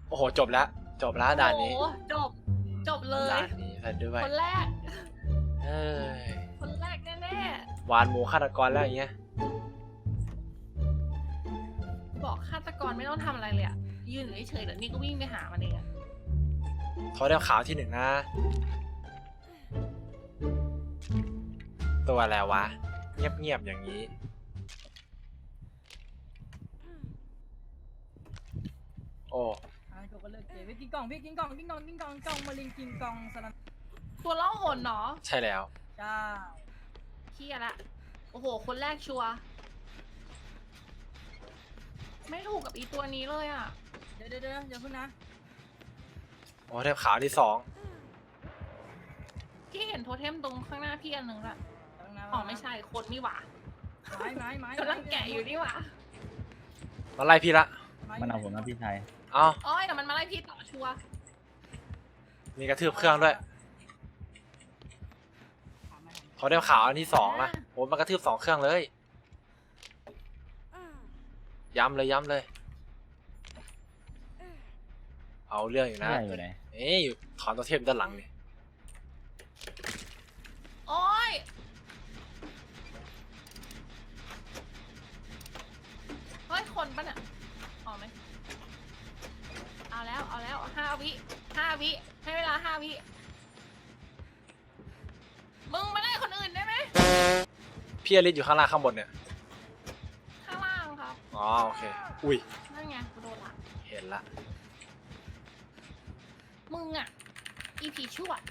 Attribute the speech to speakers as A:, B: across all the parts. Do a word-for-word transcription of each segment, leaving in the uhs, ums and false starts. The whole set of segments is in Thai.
A: โอ้โหจบแล้วจบแล้วด่านนี้
B: โอ้จบจบเลย
A: ด่านนี้ไปด้วย
B: คนแรก
A: เอ้ย
B: คนแรกแน่
A: หวานหมูฆาตกรแล้วอย่างเงี้ย
B: ๆบอกฆาตกรไม่ต้องทำอะไรเลยอะยืนอยู่เฉยๆเดี๋ยวนี้ก็วิ่งไปหามันเองอะ
A: เขาได้ขาวที่หนึ่งนะ ตัวอะไรวะ เงียบๆอย่างนี้ โอ้
C: อ่ะจบกันเลยเก๋ไปกินกล่องพี่กินกล่องกินกล่องกินกล่องกล่องมาลิงกินกล่องสลัน
B: ตัวล่องหนเนาะ
A: ใช่แล้ว
C: จ้า
B: เฮียละโอ้โหคนแรกชัวร์ไม่ถูกกับอีตัวนี้เลยอะ
C: เดี๋ยวเดี๋ยวเดี๋ยวเดี๋ยวพึ่งนะ
A: โอ้เทพขาวที่สอง
B: พี่เห็นโทเทมตรงข้างหน้าพี่อันหนึ่งละ
C: ตั้งนะ
B: อ๋อไม่ใช่คนนี่หว่า
C: ไม้ไม้ไม้
B: กำลังแกะอยู่นี่หว่า
A: มาไล่พี่ละ
D: มันเอาผมนะพี่ชาย
A: เอ้า
B: อ้อยแต่มันมาไล่พี่ต่อชัวร์
A: มีกระทืบเครื่องด้วยเขาได้ขาวอันที่สองนะโอ้มันกระทืบสองเครื่องเลย ย้ำเลยย้ำเลย เอาเรื่องอยู่นะ
D: พี่ชายอยู่ไหน
A: เอ๊ะอยู่ถอนตัวเทพด้านหลังนี่
B: โอ้ยเฮ้ยคนปะเนี่ยอ๋อไหมเอาแล้วเอาแล้วห้าวิห้าวิให้เวลาห้าวิมึงมาไล่คนอื่นได้ไหม
A: พี่อลิสอยู่ข้างล่างข้างบนเนี่ย
B: ข้างล่างครับ
A: อ๋อโอเค อุ้ย
B: นั่นไงกูโดนละ
A: เห็นละ
B: มึงอ่ะอีผีชั่ว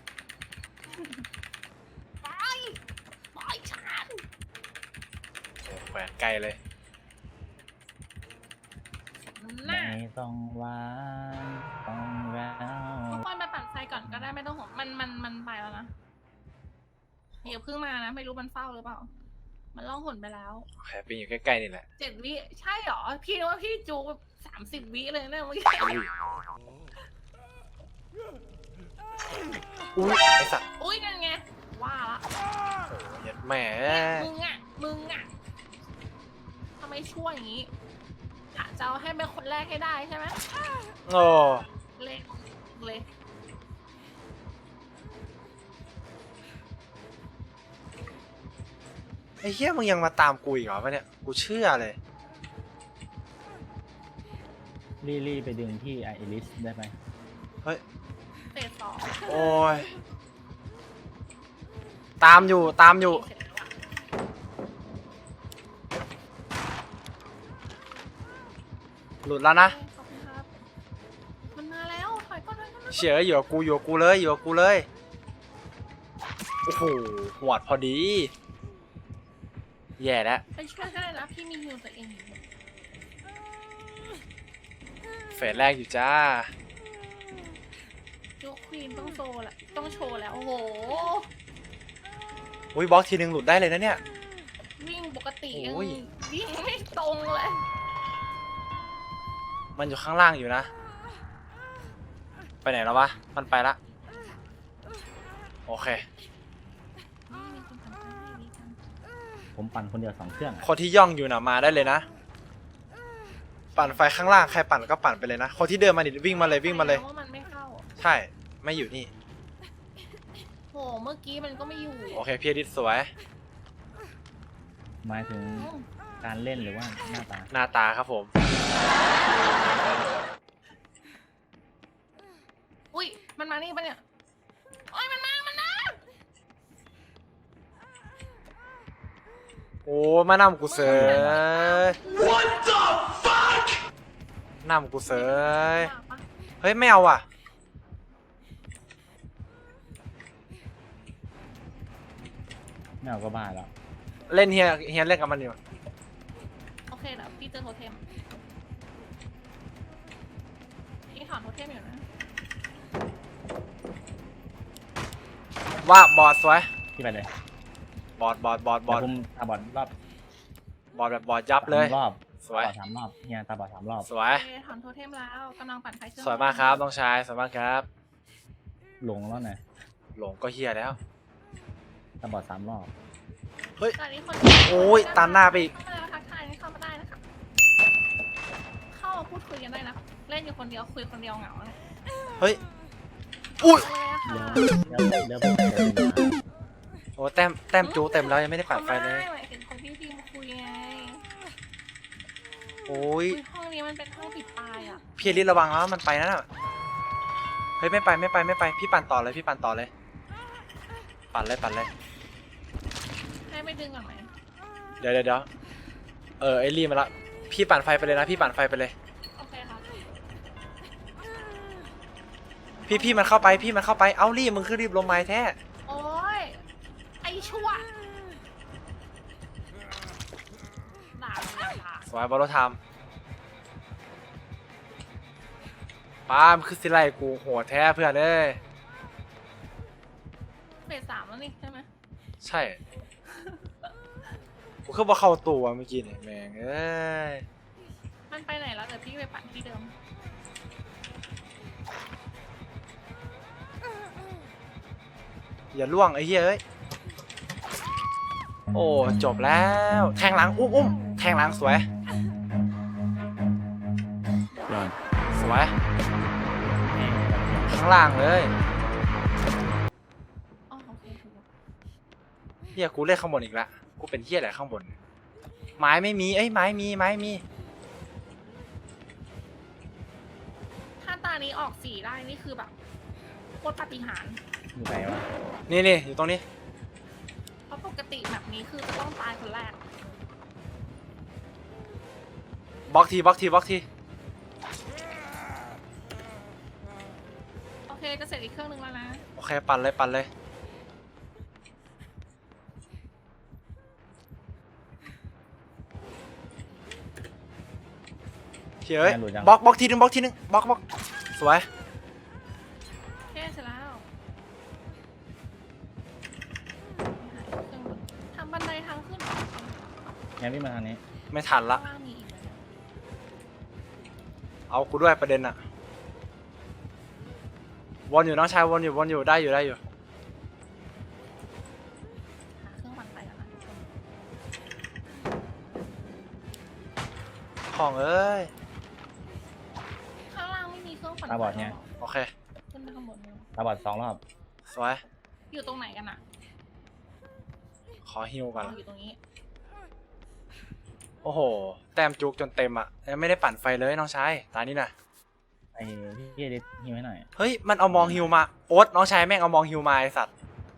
B: ไปไปฉัน
A: โอ้แขวนไกลเลย
B: หน้า
D: ไม่ต้องหวานต้องร้า
B: ทุก
D: ว
B: คนไปปั่นไฟก่อนก็ได้ไม่ต้องห่วงมันมันมันไปแล้วนะเดี๋ยวเพิ่งมานะไม่รู้มันเฝ้าหรือเปล่า มันล่องหนไปแล้ว
A: โอเคปีนอยู่ใกล้ๆนี่แหละ
B: เจ็ดวิใช่เหรอพี่นึกว่าพี่จูสามสิบวิเลยนะเมื่อกี้
A: อุ้ยอุ้ยไอสัตว์
B: อุ้ยนั่นไงว่าละ
A: เหยียดแหม
B: มึงอ่ะมึงอ่ะทำไมชั่วอย่างนี้กะจะเอาให้เป็นคนแรกให้ได้ใช่ไหม
A: โอ้
B: เละเละ
A: ไอ้เหี้ยมึงยังมาตามกูอีกเหรอวะเนี่ย กูเชื่อเลย
D: ลี่ลี่ไปดึงที่ไอริสได้ไหม
A: เฮ้ย
B: เตะสอง
A: โอ้ย ตามอยู่ตามอยู่
B: เสร็จแล้วอะ
A: หลุดแล้วนะ
B: ขอบคุณครับมันมาแล้วถอยก่อนถอยก่อน
A: เฉยอยู่กับกูอยู่กับกูเลยอยู่กับกูเลย โอ้โหหวดพอดี แย่แล้ว
B: ไปช่วยก็ได้นะพี่มีฮิวตัวเองอยู่
A: เฟสแรกอยู่จ้า
B: ยกควีนต้องโชว์แหละต้องโชว์แล้วโอ้โห
A: อุ้ยบล็อกทีนึงหลุดได้เลยนะเนี่ย
B: วิ่งปกติยัง
A: โอ้ย
B: วิ่งไม่ตรงเลย
A: มันอยู่ข้างล่างอยู่นะ ไปไหนแล้ววะ มันไปละ โอเค
B: นี่มีคนทำให้มีกัน
D: ผมปั่นคนเดียวสองเครื่องอะ
A: คนที่ย่องอยู่นะมาได้เลยนะ ปั่นไฟข้างล่างใครปั่นก็ปั่นไปเลยนะ คนที่เดินมาดิวิ่งมาเลยวิ่งมาเลย
B: ว่ามันไม่เข้า
A: ใช่ ไม่อยู่นี่
B: โหเมื่อกี้มันก็ไม่อยู่
A: โอเคพี่อดิษสวย
D: หมายถึงการเล่นหรือว่าหน้าตา
A: หน้าตาครับผม
B: อุ้ยมันมานี่ปะเนี่ยโอ้ยมันมามันมา
A: โอ้มานำกูเสย What the fuck นำกูเสย
B: มาปะ
A: เฮ้ยไม่เอาว่ะ
D: ไม่เอาก็บ้าแล้ว
A: เล่นเฮียเฮียเล่นกับมันอยู่
B: โอเคเดี๋ยวพี่เจอโทเทมพี่ถอนโทเทมอยู่นะ
A: ว่าบอดสวย
D: พี่ไปเลย
A: บอดบอดบอดบอด
D: แต่ผมตาบอดรอบบ
A: อดแบบบอดยับเลย
D: สามรอบ
A: สวย
D: ตาบอดสามรอบเฮียตาบอดสามรอบ
A: สวย
B: โอเคถอนโทเทมแล้วกำลังปั่นไฟเครื่อง
A: สวยมากครับน้องชายสวยมากครับ
D: หลงแล้วไง
A: หลงก็เฮียแล้ว
D: ตาบอดสามรอบ
A: เฮ้ย
B: ตอนนี้คน
A: โอ้ยตันหน้าไปอีก
B: เข้ามาแล้วทักทายเข้ามาได้นะครับเข้ามาพูดคุยกันได้นะเล่นอยู่คนเดียวคุยคนเดียวเหงาเลย
A: เฮ้ยอุ้ย
B: เลยอะ
D: เดี๋ยว
B: ค่ะ
D: เดี๋ยวเดี๋ยวไปเดี๋ยวไป
A: โอ้แต้มแต้มจูเต็มแล้วยังไม่ได้ปัดไฟเลย
B: หมายถึงคนที่พี่มาคุยไง
A: โอ้ย
B: อุ๊ยห้องนี้มันเป็นห้องปิดตายอ่ะ
A: พี่อลิสระวังแล้วมันไปนั่นน่ะเฮ้ยไม่ไปไม่ไปไม่ไปพี่ปั่นต่อเลยพี่ปั่นต่อเลย ปั่นเลยปั่นเลย
B: ให้ไปดึงก่อนไหม
A: เดี๋ยวเดี๋ยวเดี๋ยวเออไอรีมาละพี่ปั่นไฟไปเลยนะพี่ปั่นไฟไปเลย
B: โอเคค่ะ
A: พี่พี่มันเข้าไปพี่มันเข้าไปเอ้ารีบมึงคือรีบลงไม้แท้
B: โอ้ยไอชั่วด่าเลยด่า
A: สวยบอลโลไทม์ป้ามนคือสิไลกูโหดแท้เพื่อนเอ้ย
B: เฟสสามแล้วนี่ใช่ไหม
A: ใช่กูคือบ่เข้าตัวเมื่อกี้เนี่ยแม่งเอ้ย
B: มันไปไหนแล้วเดี๋ยวพี่ไปปั่นที่เดิม
A: อย่าล่วงไอ้เหี้ยเอ้ยโอ้จบแล้วแทงหลังอุ้มอุ้มแทงหลังสวยสวยข้างล่างเลย
B: อ๋อโอเคถูกแล้ว
A: เฮียกูเล่นข้างบนอีกละกูเป็นเฮียอะไรข้างบน ไม้ไม่มีเอ้ยไม้มีไม้มี
B: ถ้าตานี้ออกสีได้นี่คือแบบโคตรปาฏิหาริย์
D: อยู่ไหนวะ
A: นี่นี่อยู่ตรงนี้
B: เพราะปกติแบบนี้คือจะต้องตายคนแรก
A: บล็อกทีบล็อกทีบล็อกที
B: โอเคจะเสร็จอีกเครื่องนึงแล้วนะ
A: โอเคปั่นเลยปั่นเลยเฮ้ยบล็อกบล็อกทีนึงบล็อกทีนึงบล็อกบล็อกสวย
B: โอเคเสร็จแล้วทำบันไดทางขึ้นเหรอ
D: งั้นพี่มาทางนี้
A: ไม่ทันละ
B: ข้างล่างมีอีกไหมเนี่ย
A: เอากูด้วยประเด็นอะวนอยู่น้องชายวนอยู่วนอยู่ได้อยู่ได้อยู่
B: หาเครื่องปั่นไฟแล้วนะ
A: ห้องเอ้ย
B: ข้างล่างไม่มีเครื่องปั่นไฟ
D: ตาบอดไง
B: หร
A: โอเค
B: ขึ้นไปข้างบนเลย
D: ตาบอดสองรอบ
A: สวย
B: อยู่ตรงไหนกันอะ
A: ขอฮิวก่อน
B: อ๋ออยู่ตรงนี้
A: โอ้โหแต้มจุกจนเต็มอะยังไม่ได้ปั่นไฟเลยน้องชายตานี้นะ
D: ไอ้พี่เอดิฮิวให้หน่อย
A: เฮ้ยมันเอามองฮิวมาโอ๊ตน้องชายแม่งเอามองฮิวมาไอสัตว์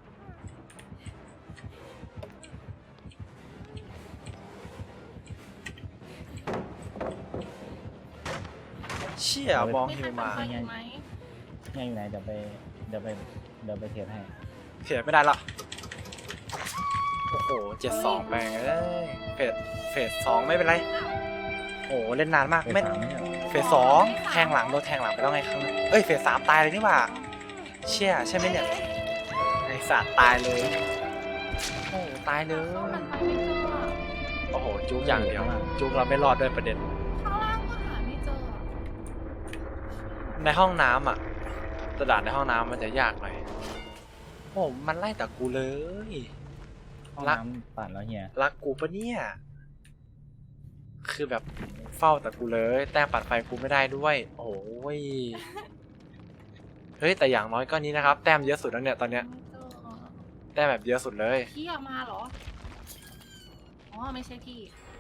A: เชี่ยมอง
B: ไม่
A: ฮิ
B: ใคร
A: ว
B: ปั่น
A: มา
B: ไฟอยู่ไหม
D: เนี่ยอยู่ไหนเดี๋ยวไปเดี๋ยวไปเดี๋ยวไปเทรดให้
A: เสียไม่ได้ละโอ้โหเจ็ดสองแปลงเอ้ยเฟสเฟสสองไม่เป็นไรโอ้โหเล่นนานมาก
D: ไป
A: ไม่
D: สามไม่ใช่เหรอ
A: เฟสสองแทงหลังโดนแทงหลังไปแล้วไงครั้งนึงเอ้ยเฟสสามตายเลยนี่หว่าเชี่ยใช่ไหมเนี่ยไอสัตว์ตายเลยโอ้โหตายเลย
B: เข้าปั่นไฟไม่เจออะ
A: โอ้โหจุกอย่างเดียวจุกเราไม่รอดด้วยประเด็น
B: ข้างล่างก็หาไม่เจออะ
A: ในห้องน้ำอ่ะกระดาษในห้องน้ำมันจะยากหน่อยโอ้มันไล่แต่กูเลย
D: ห้อง
A: รัก
D: น้ำปั่นแล้วเฮีย
A: รักกูปะเนี่ยคือแบบเฝ้าแต่กูเลยแต้มปัดไฟกูไม่ได้ด้วย โอ้ยเฮ้ยแต่อย่างน้อยก็นี้นะครับแต้มเยอะสุดแล้วเนี่ยตอนเนี้ย
B: ไม่เจออะ
A: แต้มแบบเยอะสุดเลย
B: พี่ออกมาเหรอ อ๋อไม่ใช่พี่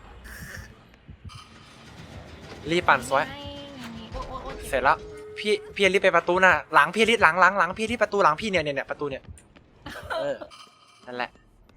A: รีบปั่นสวย
B: ไม่มีโอ๊ยโอ๊ยโอ๊ย
A: เสร็จแล้วพี่พี่รีบไปประตูน่ะหลังพี่รีบหลังหลังหลังพี่ที่ประตูหลังพี่เนี่ยเนี่ยเนี่ยประตูเนี่ยเออนั่นแหละ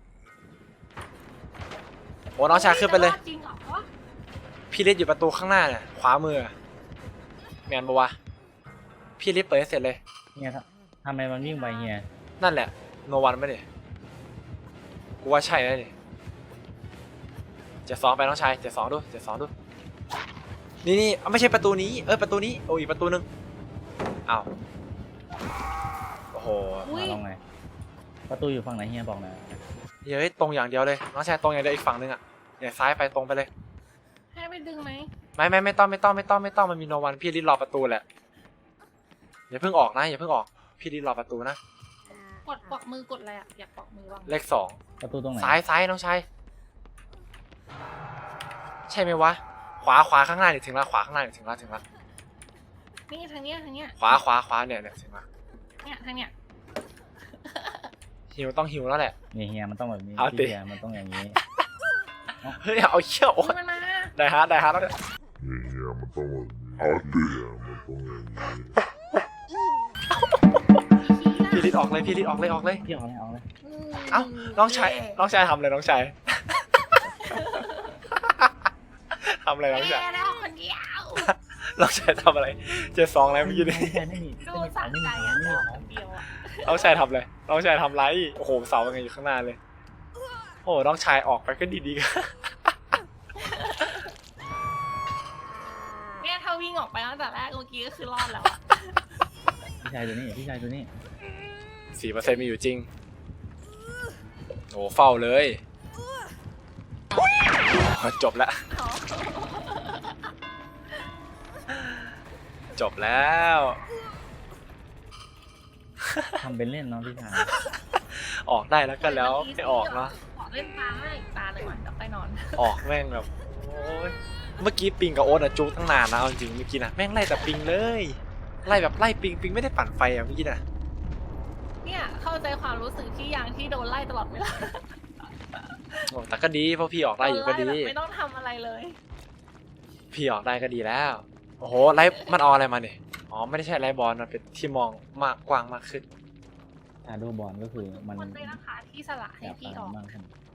A: โอ้น้องชายขึ้นไปเลย
B: จริงเหรอ
A: พี่ลิศอยู่ประตูข้างหน้าเนี่ยขวามือแมนปะวะพี่ลิศเปิดให้เสร็จเลย
D: เฮียทำทำไมมันวิ่งไปเฮีย
A: นั่นแหละโนวันไม่เนี่ยกูว่าใช่แล้วนี่เจ็ดสองไปน้องชายเจ็ดสองดูเจ็ดสองดูนี่นี่เอาไม่ใช่ประตูนี้เออประตูนี้โอ้อีกประตูนึงอ้าวโอ้โห
B: อุ้
D: มาย ลองไงประตูอยู่ฝั่งไหนเฮียบอกหน่อย
A: เฮ้ยตรงอย่างเดียวเลยน้องชายตรงอย่างเดียวอีกฝั่งนึงอ่ะเนี่ยซ้ายไปตรงไปเลย
B: ให้ไปดึงไหม
A: ไม่ไม่ไม่ต้องไม่ต้องไม่ต้องไม่ต้องมันมีโนวันพี่ลิศรอประตูแหละอย่าเพิ่งออกนะอย่าเพิ่งออกพี่ลิศรอประตูนะ
B: กดปอกมือกดอะไรอะอยากปอกมือบ้าง
A: เลขสอง
D: ประตูตรงไหน
A: ซ้ายซ้ายน้องชายใช่ไหมวะขวาขวาข้างหน้าเนี่ยถึงแล้วขวาข้างหน้าเนี่ยถึงแล้วถึงแล้ว
B: นี่ทางเนี้ยทางเนี้ย
A: ขวาขวาขวาเนี่ยเนี่ยเห็นปะ
B: เนี่ยทางเนี้ย
A: หิวต้องหิวแล้วแหละ
D: นี่เฮียมันต้องแบบนี้
A: เอาดิ
D: พี่เฮียมันต้องอย่างนี้
A: เฮ้ยเอาเชี่ยวโอ๊ย
B: มันมา
A: ได้ฮาร์ดได้ฮาร์ดแล้วเนี่ย
E: เนี่ยมันต้องแบบนี้เอาดิมันต้องอย่างนี้
A: พี่ลิดออกเลยพี่ลิดออกเลยออกเลย
D: พี่เอาอะไรเอาอะไร
A: เอ้าน้องชายน้องชายทำเลยน้องชาย ทำอะไรน้องชาย
B: แย่แล้วคนเดียว
A: น้องชายทำอะไรเจ็ดสองอะไรเมื่อกี้นี่
D: ไม่ใช่ไม่มี
B: ดู
D: ไม่มี
B: สะ
D: ไม่
B: ใจ
D: มี
B: อ่ะ
D: ไม่มี
B: เจ้า
D: ข
B: ค
D: อง
B: นเดียวอ่ะ
A: น้องชายทำอะไรน้องชายทำไรโอ้โหเสาเป็นไงอยู่ข้างหน้าเลยโอ้น้องชายออกไปก็ดีๆกัน
B: เนี่ยถ้าวิ่งออกไปตั้งแต่แรกเมื่อกี้ก็คือรอดแล้วอ่ะ
D: พี่ชายตัวนี้พี่ชายตัวนี้
A: สี่เปอร์เซ็นต์มีอยู่จริงโอ้เฝ้าเลยจบแล้ว จบแล้ว
D: ทำเป็นเล่นเนาะพี่ชาย
A: ออกได้แล้วก็แล้วไม่ออกเนาะ
B: ขอเล่นตาให้ตาเลยก่อนจะไปนอน
A: ออกแม่งแบบโอ้ยเมื่อกี้ปิงกับโอ๊ตอะจูตั้งนานนะเอาจริงเมื่อกี้นะแม่งไล่แต่ปิงเลยไล่แบบไล่ปิงปิงไม่ได้ปั่นไฟอะเมื่อกี้นะ
B: เนี่ยเข้าใจความรู้สึกที่ยางที่โดนไล่ตลอดเวลา
A: โอ้แต่ก็ดีเพราะพี่ออกได้อยู่ก็ดี
B: โนไล่แบบไม่ต้องทำอะไรเลย
A: พี่ออกได้ก็ดีแล้วโอ้โหไล่มันเอาอะไรมาเนี่ยอ๋อไม่ได้ใช่ไล่บอลมันเป็นที่มองมากกว้างมากขึ้น
D: ชาโดบอลก็คือมัน
B: คนเลยนะคะที่สละให้
D: อยาก
B: พี่
D: อะไร
B: ออก
D: บ้างครับ